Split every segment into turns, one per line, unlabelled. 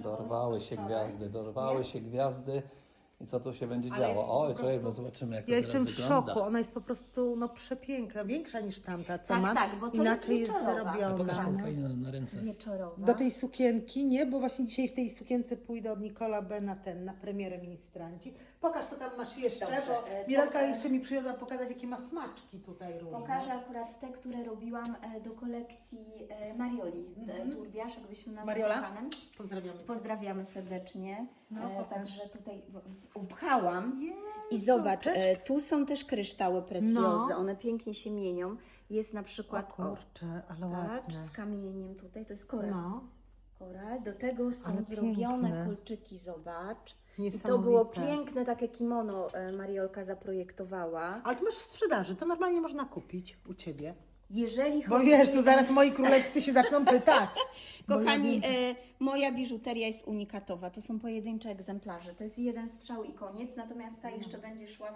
Dorwały się gwiazdy, dorwały się gwiazdy. I co tu się będzie
Ale
działo? Oj,
po
słuchaj,
prostu
bo zobaczymy, jak to
Ja
teraz
jestem w
wygląda.
szoku, ona jest po prostu przepiękna, większa niż tamta, co
Tak,
mam.
tak, bo to
Inaczej
jest
jest
wieczorowa.
A pokaż
zrobiona.
tą fajnie na ręce.
Wieczorowa.
Do tej sukienki, nie? Bo właśnie dzisiaj w tej sukience pójdę od Nicola B na premierę Ministranci. Pokaż, co tam masz jeszcze,
Dobrze,
bo Miralka jeszcze mi przywiozła pokazać, jakie ma smaczki tutaj różne.
Pokażę akurat te, które robiłam do kolekcji Marioli Turbiasz, jakbyśmy nazwali
Mariola?
panem.
Pozdrawiamy cię.
Pozdrawiamy serdecznie.
No, pokaż.
Także tutaj upchałam
Jezu,
i zobacz,
też-
tu są też kryształy precjozy,
No.
one pięknie się mienią. Jest na
O
przykład,
kurczę, ale
patrz,
ładne.
z kamieniem tutaj, to jest koral.
No,
Koral. Do tego są
Ale
zrobione
piękne.
kolczyki, zobacz. I to
niesamowite.
było piękne, takie kimono Mariolka zaprojektowała.
Ale ty masz w sprzedaży, to normalnie można kupić u Ciebie.
Jeżeli
Bo
chodzi...
wiesz, tu zaraz moi królewscy się zaczną pytać. Bo
Kochani,
ja wiem,
moja biżuteria jest unikatowa. To są pojedyncze egzemplarze. To jest jeden strzał i koniec. Natomiast ta jeszcze będzie szła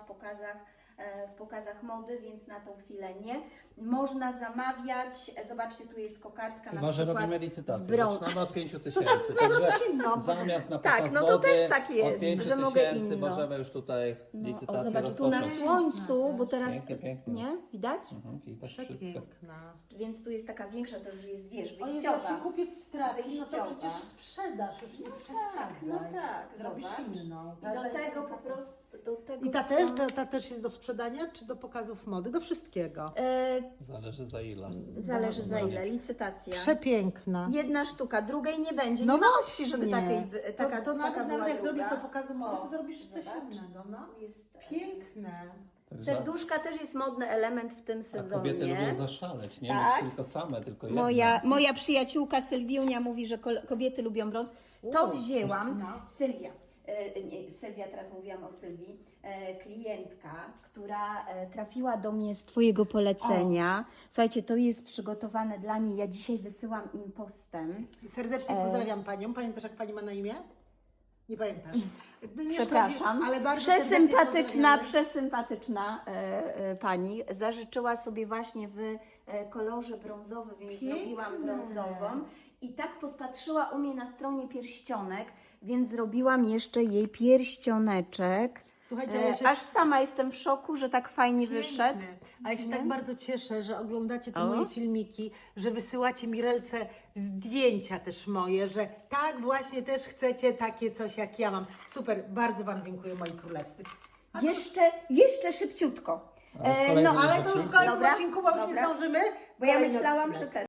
w pokazach mody, więc na tą chwilę nie. Można zamawiać. Zobaczcie, tu jest kokardka na
Chyba, że
przykład
robimy licytację.
w brąz.
Zaczynamy od 5 tysięcy.
zrobić inną.
Zamiast na
Tak,
pokaz
no to
wody,
też tak jest,
od 5
że mogę
tysięcy
inną.
możemy już tutaj
No,
licytację
o, zobacz, tu na
rozpocząć.
słońcu, bo teraz...
Pięknie, pięknie.
Nie? Widać?
Widać wszystko.
Przepiękna.
Więc tu jest taka większa, to już jest, wiesz,
O Jezu, jak
wyjściowa.
się kupiec trafi, no to
Wyjściowa.
przecież sprzedasz, już nie przesadzaj.
No tak,
Zrobisz
zobacz.
inną.
I do tego po prostu... Do tego
I ta
są-
też, ta też jest do sprzedania, czy do pokazów mody? Do wszystkiego.
Zależy za ile.
Zależy za ile, licytacja.
Przepiękna.
Jedna sztuka, drugiej nie będzie.
No
nie ma
właśnie.
opcji, żeby takiej, taka,
to
taka
nawet
była
jak
druga.
zrobisz do pokazu mody, to
O,
zrobisz coś
zobacz.
innego. No.
Tu jest,
Piękne.
serduszka też jest modny element w tym
A
sezonie.
kobiety lubią zaszaleć, nie
Tak.
mieć tylko same, tylko jedne.
Moja przyjaciółka Sylwiunia mówi, że kobiety lubią brąz. To wzięłam.
No.
Sylwia. Nie, Sylwia, teraz mówiłam o Sylwii, klientka, która trafiła do mnie z Twojego polecenia. Słuchajcie, to jest przygotowane dla niej. Ja dzisiaj wysyłam im postem.
Serdecznie pozdrawiam Panią. Pamiętasz, jak Pani ma na imię? Nie pamiętasz. Nie
Przepraszam.
szkodzi, ale bardzo
Przesympatyczna,
serdecznie
przesympatyczna pani. Zażyczyła sobie właśnie w kolorze brązowym, więc
Piękne.
zrobiłam brązową. I tak podpatrzyła u mnie na stronie pierścionek, więc zrobiłam jeszcze jej pierścioneczek.
Słuchajcie, ja się
Aż sama jestem w szoku, że tak fajnie wyszedł.
Piękne. A ja się tak bardzo cieszę, że oglądacie te
O.
moje filmiki, że wysyłacie Mirelce zdjęcia też moje, że tak właśnie też chcecie takie coś jak ja mam. Super, bardzo Wam dziękuję moi królewscy.
Jeszcze szybciutko.
Ale w kolejnym
no,
Ale to już w kolejnym
Dobra,
odcinku, bo już nie
dobra.
zdążymy.
Bo ja
Kolejny
myślałam,
odcinek.
że ten.